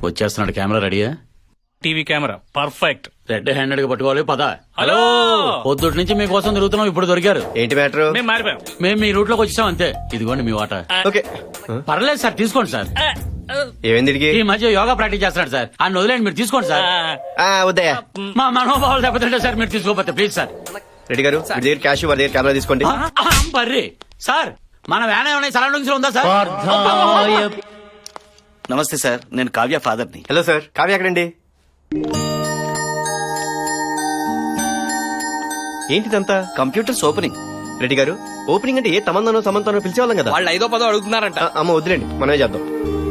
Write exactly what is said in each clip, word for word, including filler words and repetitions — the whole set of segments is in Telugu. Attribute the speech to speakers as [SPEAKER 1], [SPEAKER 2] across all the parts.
[SPEAKER 1] వచ్చేస్తున్నాడు. కెమెరా రెడీయా?
[SPEAKER 2] TV camera perfect.
[SPEAKER 1] Red handed గా పట్టుకోవాలి. పద.
[SPEAKER 2] హలో.
[SPEAKER 1] పొద్దుటి నుంచి మీకోసం తిరుగుతున్నాం, ఇప్పుడు దొరికారు.
[SPEAKER 3] ఏంటి మ్యాటర్?
[SPEAKER 2] మేము మారిపోయాం.
[SPEAKER 1] మేము మీ రూట్ లోకి వచ్చాం అంతే. ఇదిగోండి మీ వాటా.
[SPEAKER 3] ఓకే
[SPEAKER 1] పర్లేదు సార్, తీసుకోండి సార్.
[SPEAKER 3] ఏమైంది?
[SPEAKER 1] ఈ మధ్య యోగా ప్రాక్టీస్ చేస్తున్నాడు సార్, ఆయన వదిలేండి, మీరు తీసుకోండి సార్.
[SPEAKER 3] వద్దయ్యా,
[SPEAKER 1] మా మనోభావాలు దెబ్బతింటే సార్, మీరు తీసుకోకపోతే ప్లీజ్ సార్.
[SPEAKER 3] రెడ్డి గారు మీ దగ్గర క్యాష్, వారి దగ్గర కెమెరా తీసుకోండి.
[SPEAKER 1] బర్రీ సార్, మన వ్యాన్ ఏమైనా సరౌండింగ్స్ లో ఉందా సార్?
[SPEAKER 4] నమస్తే సార్, నేను కావ్య ఫాదర్ని.
[SPEAKER 3] హలో సార్, కావ్య ఎక్కడండి? ఏంటిదంతా?
[SPEAKER 4] Computers opening.
[SPEAKER 3] రెడ్డి గారు, ఓపెనింగ్ అంటే ఏ తమందనో సమంతనో పిలిచేవాళ్ళం కదా.
[SPEAKER 2] వాళ్ళు ఐదో పదో అడుగుతున్నారంట.
[SPEAKER 3] ఆ, అమ్మ వద్దులేండి, మనమే చేద్దాం.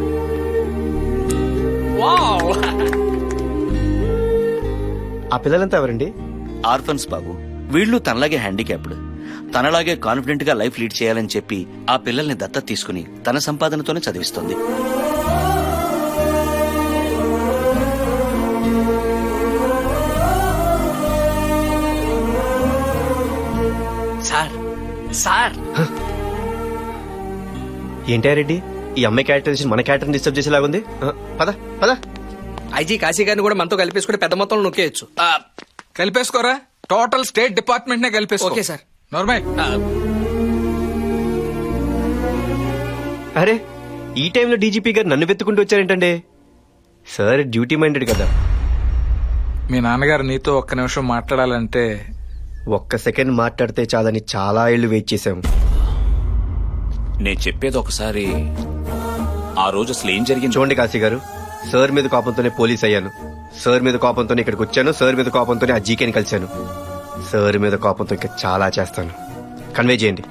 [SPEAKER 3] ఆ పిల్లలంతా ఎవరండి?
[SPEAKER 4] ఆర్ఫన్స్ బాబు. వీళ్ళు తనలాగే హ్యాండిక్యాప్డ్, తనలాగే కాన్ఫిడెంట్ గా లైఫ్ లీడ్ చేయాలని చెప్పి ఆ పిల్లల్ని దత్తత తీసుకుని తన సంపాదనతోనే చదివిస్తుంది.
[SPEAKER 2] సార్ సార్
[SPEAKER 3] ఏంటా రెడ్డి, ఈ అమ్మాయి క్యారెక్టరైజేషన్ మన క్యారెక్టర్ డిస్టర్బ్ చేసేలాగుంది. ఆ, పద పద.
[SPEAKER 5] ఐజీ కాశీ గారిని కూడా మనతో కలిపేసుకుంటే పెద్ద మొత్తంలో నొక్కేయచ్చు.
[SPEAKER 6] కలిపేసుకోరా, టోటల్ స్టేట్ డిపార్ట్మెంట్ నే కలిపేసుకో.
[SPEAKER 5] Okay sir.
[SPEAKER 6] నార్మల్.
[SPEAKER 3] అరే, ఈ టైంలో డీజీపీ గారు నన్ను వెతుకుంటూ వచ్చారేంటండి? సార్ డ్యూటీ మైండెడ్ కదా.
[SPEAKER 6] మీ నాన్నగారు నీతో ఒక్క నిమిషం మాట్లాడాలంటే
[SPEAKER 3] ఒక్క సెకండ్ మాట్లాడితే చాలని చాలా ఏళ్లు వెయిట్ చేశాం.
[SPEAKER 7] నేను చెప్పేది ఒకసారి. ఆ రోజు అసలు ఏం జరిగింది
[SPEAKER 3] చూడండి కాశీ గారు, సార్ మీద కోపంతోనే పోలీస్ అయ్యాను, సార్ మీద కోపంతోనే ఇక్కడికి వచ్చాను, సార్ మీద కోపంతోనే ఆ జీకేని కలిశాను, సార్ మీద కోపంతో ఇంకా చాలా చేస్తాను. కన్వే చేయండి.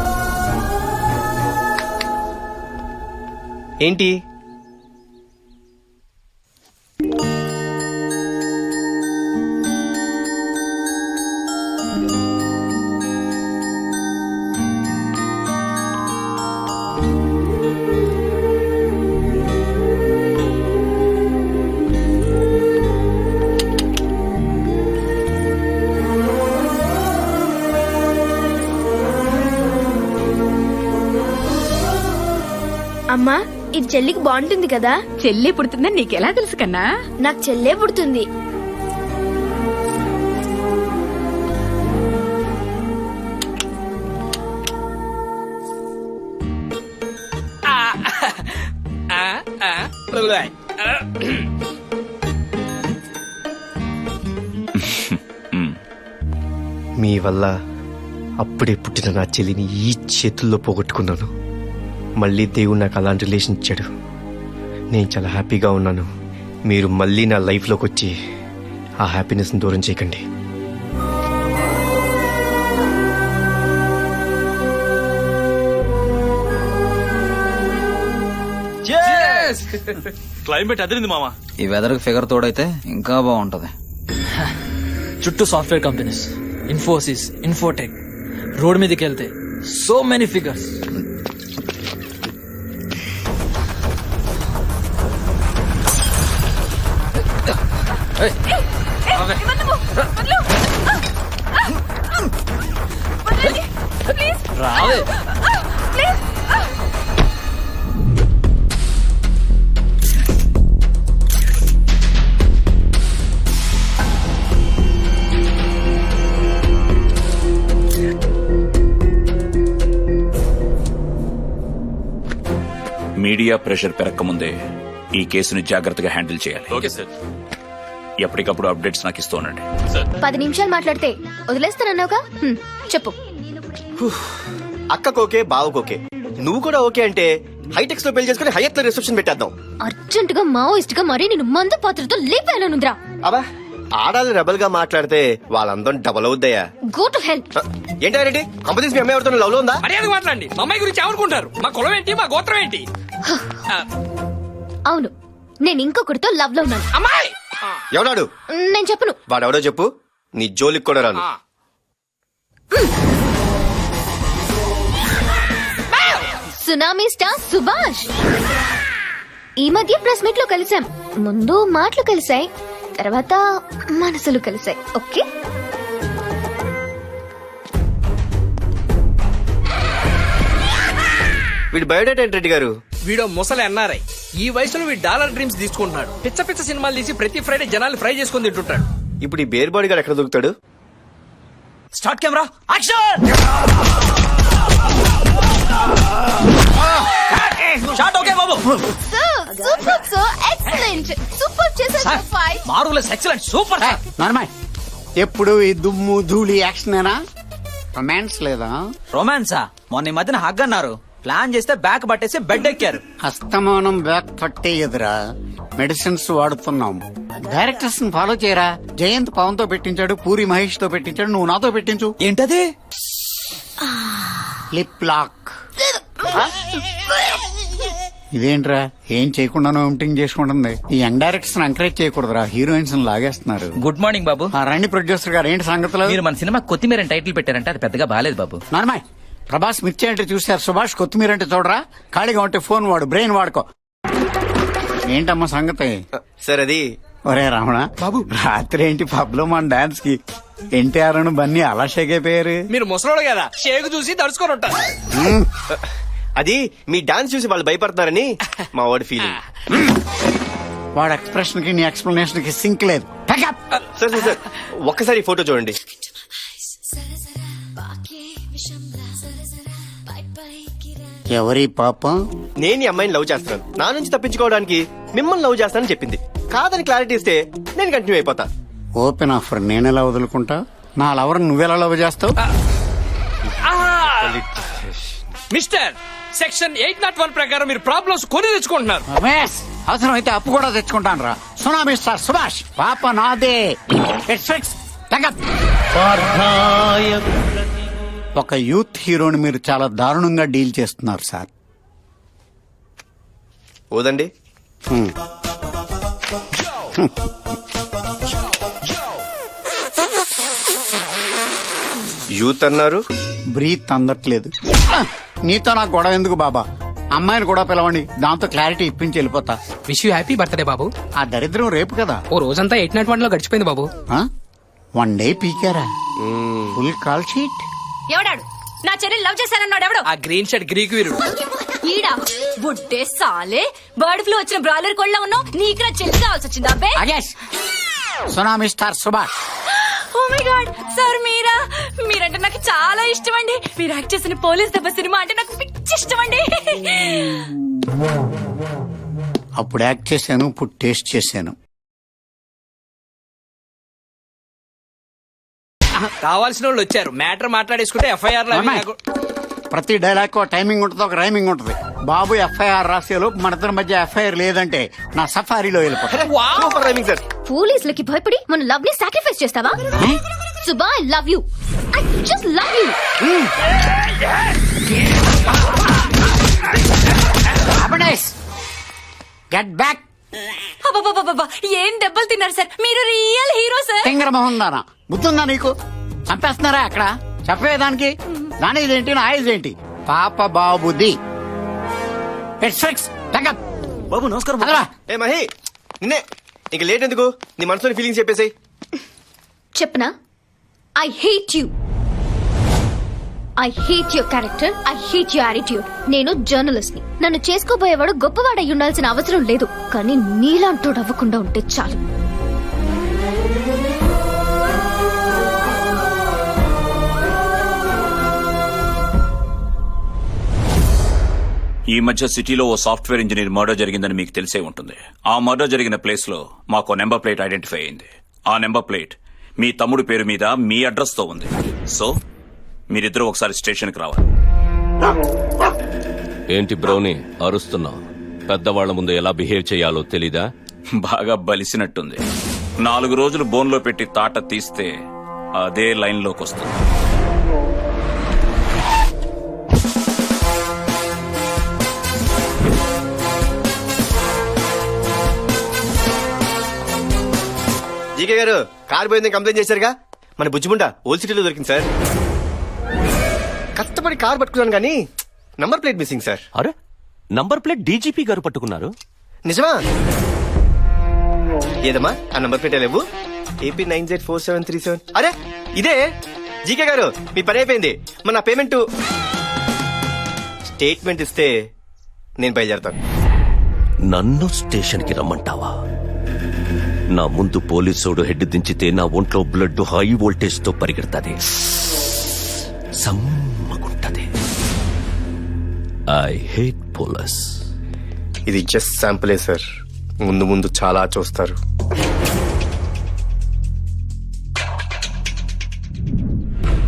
[SPEAKER 3] ఏంటి?
[SPEAKER 8] అమ్మా, ఇది చెల్లికి బాగుంటుంది కదా.
[SPEAKER 9] చెల్లి పుడుతుందని నీకెలా తెలుసు కన్నా?
[SPEAKER 8] నాకు చెల్లే పుడుతుంది.
[SPEAKER 3] మీ వల్ల అప్పుడే పుట్టిన నా చెల్లిని ఈ చేతుల్లో పోగొట్టుకున్నాను. మళ్ళీ దేవుడు నాకు అలాంటి రిలేషన్ ఇచ్చాడు. నేను చాలా హ్యాపీగా ఉన్నాను. మీరు మళ్ళీ నా లైఫ్లోకి వచ్చి ఆ హ్యాపీనెస్ని దూరం చేయకండి.
[SPEAKER 7] క్లైమేట్ అదిరింది మామ.
[SPEAKER 5] ఈ వెదర్ ఫిగర్ తోడైతే ఇంకా బాగుంటది.
[SPEAKER 10] చుట్టూ software companies, Infosys, Infotech. Road మీదకి వెళ్తే సో మెనీ ఫిగర్స్. రావే.
[SPEAKER 7] మీడియా ప్రెషర్ పెరగకముందే ఈ కేసుని జాగ్రత్తగా హ్యాండిల్ చేయాలి.
[SPEAKER 1] Okay sir.
[SPEAKER 7] ఎప్పటికప్పుడు అప్డేట్స్ నాకు ఇస్తూ ఉండండి.
[SPEAKER 8] పది నిమిషాలు మాట్లాడితే వదిలేస్తానన్నావుగా, చెప్పు.
[SPEAKER 3] అక్కకోకే, బావకోకే, నువ్వు కూడా ఓకే అంటే హైటెక్స్ లో పెళ్లి చేసుకుని హైయత్ లో రిసెప్షన్ పెట్టేద్దాం.
[SPEAKER 8] అర్జెంట్ గా మావోయిస్ట్ గా మరీ నేను మందు పాత్రతో లేపానుంద్రా.
[SPEAKER 3] అబ్బా, ఆడాలి రెబల్ గా మాట్లాడితే వాళ్ళందరం డబల్ అవుద్దయ్యా.
[SPEAKER 8] Go to help.
[SPEAKER 3] ఏంటా రెడ్డి, కంపెనీస్ మీ అమ్మాయి ఎవరితో లవ్ లో ఉందా?
[SPEAKER 5] మర్యాద మాట్లాడండి. మా అమ్మాయి గురించి ఏమనుకుంటారు? మా కులం ఏంటి, మా గోత్రం ఏంటి?
[SPEAKER 8] అవును, నేను ఇంకొకరితో లవ్ లో ఉన్నాను.
[SPEAKER 5] అమ్మాయి
[SPEAKER 3] ఎవడాడు?
[SPEAKER 8] నేను చెప్పను.
[SPEAKER 3] వాడెవడో చెప్పు, నీ జోలికి కూడా రాను.
[SPEAKER 8] Tsunami star Subhash. ఈ మధ్య ప్రెస్ మీట్ లో కలిసాం. ముందు మాటలు కలిసాయి, తర్వాత మనసులు కలిసాయి. ఓకే,
[SPEAKER 3] వీడు బయోడేటా ఏంటి రెడ్డి గారు?
[SPEAKER 5] వీడో ముసలి ఎన్ఆర్ఐ. ఈ వయసులో వీడు డాలర్ డ్రీమ్స్ తీసుకుంటున్నాడు. పిచ్చ పిచ్చ సినిమాలు తీసి ప్రతి ఫ్రైడే జనాలు ఫ్రై చేసుకుని తింటుంటాడు.
[SPEAKER 3] ఇప్పుడు ఈ బేర్ బాడీ గారు ఎక్కడ దొరుకుతాడు?
[SPEAKER 1] Start camera action. Shot okay బాబు.
[SPEAKER 8] Super so excellent. సూపర్ చేశారు five.
[SPEAKER 1] Marvellous excellent super sir.
[SPEAKER 11] Normal ఎప్పుడు ఈ దుమ్ము ధూళి యాక్షనేనా? రొమాన్స్ లేదా?
[SPEAKER 1] రొమాన్సా? మొన్న ఈ మధ్యన హగ్ అన్నారు, ప్లాన్ చేస్తే బ్యాక్ పట్టేసి బెడ్ ఎక్కారు.
[SPEAKER 11] అస్తమానం బ్యాక్ పట్టే ఎదురా మెడిసిన్స్ వాడుతున్నాం. డైరెక్టర్స్ ఫాలో చేయరా. జయంత్ పవన్ తో పెట్టించాడు, పూరి మహేష్ తో పెట్టించాడు, నువ్వు నాతో పెట్టించు.
[SPEAKER 1] ఏంటది?
[SPEAKER 11] Lip lock. ఇదేంట్రా ఏం చేయకుండానో ఎంటింగ్ చేసుకుంటుంది. ఈ యంగ్ డైరెక్టర్స్ ఎంకరేజ్ చేయకూడదురా, హీరోయిన్స్ లాగేస్తున్నారు.
[SPEAKER 10] గుడ్ మార్నింగ్ బాబు.
[SPEAKER 11] ఆ రండి ప్రొడ్యూసర్ గారు, ఏంటి సంగతులు?
[SPEAKER 10] మీరు మన సినిమా కొత్తిమీర టైటిల్ పెట్టారంటే అది పెద్దగా బాలేదు బాబు.
[SPEAKER 11] నార్మల్ ప్రభాస్ మిర్చి అంటే చూశారు, సుభాష్ కొత్తిమీర అంటే చూడరా. ఖాళీగా ఉంటే ఫోన్ వాడు, బ్రెయిన్ వాడుకో. ఏంటమ్మా సంగతి?
[SPEAKER 3] సార్ అది
[SPEAKER 11] ఒరే రమణ బాబు, రాత్రి ఏంటి పబ్ లో మన డాన్స్ కి ఎన్టీఆర్ అను బన్నీ అలా షేక్ అయిపోయారు.
[SPEAKER 5] మీరు ముసలోడు కదా, షేక్ చూసి దడుచుకొని ఉంటారు.
[SPEAKER 3] అది మీ డాన్స్ చూసి వాళ్ళు భయపడతారని మా వాడి ఫీలింగ్.
[SPEAKER 11] వాడు ఎక్స్ప్రెషన్ కి నీ ఎక్స్ప్లెనేషన్ కి సింక్ లేదు. Pack up.
[SPEAKER 3] Sir sir sir ఒక్కసారి ఫోటో చూడండి.
[SPEAKER 11] ఎవరి పాపం?
[SPEAKER 3] నేను ఈ అమ్మాయిని లవ్ చేస్తున్నాను, నా నుంచి తప్పించుకోవడానికి మిమ్మల్ని లవ్ చేస్తానని చెప్పింది. కాదని క్లారిటీ ఇస్తే నేను కంటిన్యూ అయిపోతా.
[SPEAKER 11] ఓపెన్ ఆఫర్ నేనెలా వదులుకుంటా? నా లవర్ నువ్వెలా లవ్ చేస్తావు?
[SPEAKER 5] Mister section eight not one ప్రకారం మీరు ప్రాబ్లమ్స్ కొని తెచ్చుకుంటున్నారు.
[SPEAKER 11] రమేష్ అవసరం అయితే అప్పు కూడా తెచ్చుకుంటాను రా. సునామీ స్టార్ సుభాష్ పాప నాదే. It's fixed. Pack up. ఒక యూత్ హీరోని మీరు చాలా దారుణంగా డీల్ చేస్తున్నారు సార్.
[SPEAKER 3] ఓదండి.
[SPEAKER 11] హ్మ్.
[SPEAKER 3] యూత్ అన్నారు,
[SPEAKER 11] బ్రీత్ అందట్లేదు. నీతో నాకు గొడవ ఎందుకు బాబా? అమ్మాయిని కూడా పిలవండి, దాంతో క్లారిటీ ఇప్పించి వెళ్ళిపోతా.
[SPEAKER 5] విష్ యూ హ్యాపీ బర్త్డే బాబు.
[SPEAKER 11] ఆ దరిద్రం రేపు కదా.
[SPEAKER 5] ఓ రోజంతా ఎయిట్ నాట్ వన్ లో గడిచిపోయింది బాబు.
[SPEAKER 11] వన్ డే పీకారా? Full call sheet.
[SPEAKER 9] ఎవడాడు నా చెల్లెలు లవ్ చేశానన్నాడు? ఎవడు?
[SPEAKER 5] ఆ గ్రీన్ షర్ట్ గ్రీక్ వీరుడు.
[SPEAKER 9] ఈడా బుడ్డే సాలే బర్డ్ ఫ్లూ వచ్చిన బ్రాయిలర్ కోళ్ళ ఉన్నావు. నీకు నా చెల్లి కావాల్సి వచ్చింది అబ్బే.
[SPEAKER 11] అగేష్ tsunami star Subhash.
[SPEAKER 9] Oh my god sir, మీరా? మీరంటే నాకు చాలా ఇష్టం అండి. మీరు యాక్ట్ చేసిన పోలీస్ దెబ్బ సినిమా అంటే నాకు పిచ్చి ఇష్టం అండి.
[SPEAKER 11] అప్పుడు యాక్ట్ చేశాను, ఇప్పుడు టేస్ట్ చేశాను.
[SPEAKER 5] కావాల్సిన వాళ్ళు వచ్చారు, మ్యాటర్ మాట్లాడేసుకుంటే ఎఫ్ఐఆర్ లో
[SPEAKER 11] అమ్మాయి. ప్రతి డైలాగ్ ఒక టైమింగ్ ఉంటుంది, ఒక రైమింగ్ ఉంటుంది. బాబు ఎఫ్ఐఆర్ రాసేలోపు మన ఇద్దరి మధ్య ఎఫ్ఐఆర్ లేదంటే నా సఫారీలో వెళ్ళిపోతా.
[SPEAKER 3] Super timing sir.
[SPEAKER 8] పోలీసులకి భయపడి మన లవ్ ని సాక్రిఫైస్ చేస్తావా? Suba I love you. I just love you.
[SPEAKER 11] Get back.
[SPEAKER 9] అబ్బబ్బబ్బబ్బబ్బా, ఏం దెబ్బలు తిన్నారు సార్, మీరు రియల్ హీరో సార్.
[SPEAKER 11] తింగర మొహం దానా, బుద్ధుందా నీకు? చంపేస్తున్నారా అక్కడ? చెప్పేదానికి దాని ఇదేంటి, నా ఇదేంటి? పాప బాబుది. It's fix. Pack up.
[SPEAKER 3] బాబు నమస్కారం.
[SPEAKER 11] అదరా.
[SPEAKER 3] ఏ మహి, నిన్నే. ఇంక లేట్ ఎందుకు, నీ మనసులోని ఫీలింగ్స్ చెప్పేసాయి.
[SPEAKER 8] చెప్పనా? I hate you. I hate your character. I hate your attitude. నేను జర్నలిస్ట్ ని. నన్ను చేసుకోబోయేవాడు గొప్పవాడై ఉండాల్సిన అవసరం లేదు, కానీ నీలాంటోడు అవ్వకుండా ఉంటే చాలు.
[SPEAKER 7] ఈ మధ్య సిటీలో ఓ సాఫ్ట్వేర్ ఇంజనీర్ మర్డర్ జరిగిందని మీకు తెలిసే ఉంటుంది. ఆ మర్డర్ జరిగిన ప్లేస్ లో మాకు నెంబర్ ప్లేట్ ఐడెంటిఫై అయింది. ఆ నెంబర్ ప్లేట్ మీ తమ్ముడి పేరు మీద మీ అడ్రస్ తో ఉంది. సో మీరిద్దరూ ఒకసారి స్టేషన్ కి రావాలి.
[SPEAKER 12] ఏంటి బ్రౌని అరుస్తున్నావు? పెద్దవాళ్ల ముందు ఎలా బిహేవ్ చేయాలో తెలీదా?
[SPEAKER 7] బాగా బలిసినట్టుంది. నాలుగు రోజులు బోన్లో పెట్టి తాట తీస్తే అదే లైన్ లోకి వస్తుంది.
[SPEAKER 3] జీకే గారు, కార్ పోయిందని కంప్లైంట్ చేశారుగా, మన బుజ్జిముండ ఓల్డ్ సిటీలో దొరికింది సార్. కష్టపడి కార్ పట్టుకున్నాను కానీ నంబర్ ప్లేట్ మిస్సింగ్ సార్.
[SPEAKER 12] అరే, నంబర్ ప్లేట్ డీజీపీ గారు పట్టుకున్నారు.
[SPEAKER 3] నిజమా? ఏదమ్మా ఆ నంబర్ ప్లేట్ లేవు. AP nine Z four seven three seven. అరే ఇదే. జీకే గారు మీ పని అయిపోయింది. మన పేమెంట్ స్టేట్మెంట్ ఇస్తే నేను బయలుదేరతాను.
[SPEAKER 12] నన్ను స్టేషన్కి రమ్మంటావా? నా ముందు పోలీసోడు హెడ్ దించితే నా ఒంట్లో బ్లడ్ హై వోల్టేజ్ తో పరిగెడతాది, సమ్మగుంటది. I hate police.
[SPEAKER 3] ఇది జస్ట్ శాంపులే సార్, ముందు ముందు చాలా చూస్తారు.